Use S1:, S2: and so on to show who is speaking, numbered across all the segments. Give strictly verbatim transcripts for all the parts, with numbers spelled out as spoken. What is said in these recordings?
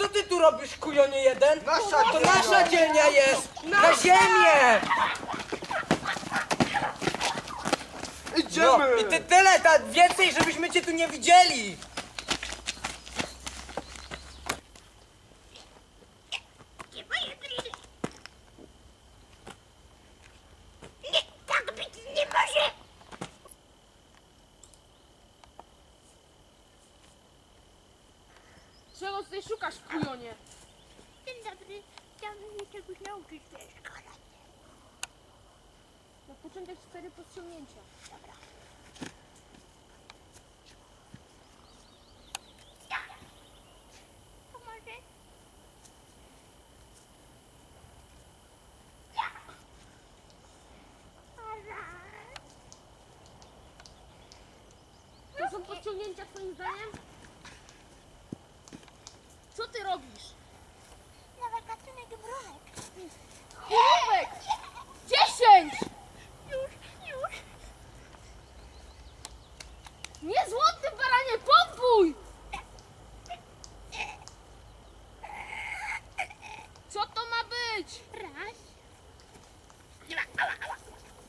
S1: co ty tu robisz, kujonie jeden?
S2: Nasza
S1: To
S2: dzielnia.
S1: nasza dzielnia jest! Na ziemię! No
S2: Idziemy!
S1: i ty tyle, ta więcej, żebyśmy cię tu nie widzieli!
S3: Nie, tak być nie może!
S4: Czego tutaj szukasz, kujonie?
S3: Dzień dobry, chciałabym się czegoś nauczyć w tej szkole.
S4: Na początek cztery podciągnięcia.
S3: Dobra. To może?
S4: To są podciągnięcia twoim zdaniem? Co ty robisz?
S3: Nowy gatunek brunek.
S4: Chłopek! Dziesięć!
S3: Już, już.
S4: Nie złoty baranie, pompuj! Co to ma być?
S3: Raz. Dwa. Ała, ała.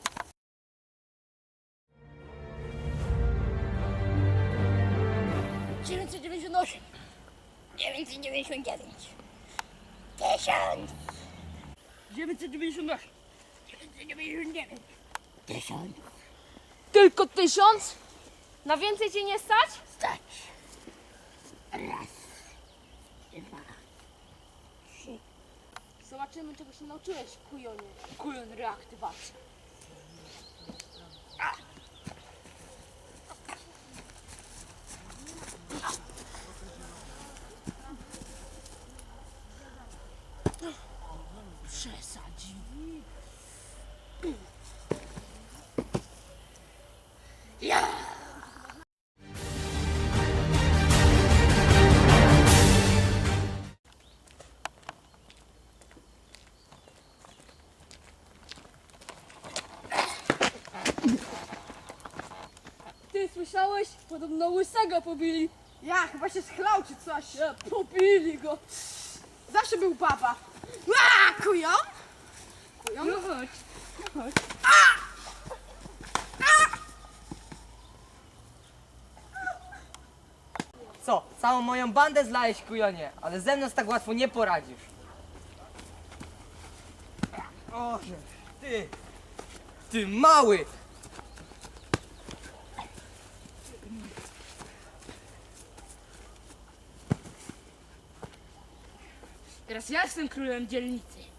S3: dziewięćset dziewięćdziesiąt osiem. dziewięćset dziewięćdziesiąt dziewięć. Tysiąc.
S4: dziewięćset dziewięćdziesiąt osiem.
S3: dziewięćset dziewięćdziesiąt dziewięć. Tysiąc.
S4: Tylko tysiąc? Na więcej cię nie stać?
S3: Stać. Raz. Dwa. Trzy.
S4: Zobaczymy, czego się nauczyłeś, kujonie. Kujon reaktywacja. Przesadzi.
S3: Ja.
S4: Ty słyszałeś? Podobno łysego pobili.
S5: Ja, chyba się schlał czy coś.
S4: Ja, pobili go.
S5: Zawsze był papa. A, kują? Kują?
S4: No chodź.
S1: Co, całą moją bandę zlałeś, kujonie, ale ze mną tak łatwo nie poradzisz. O, ty, ty mały!
S4: Teraz ja jestem królem dzielnicy.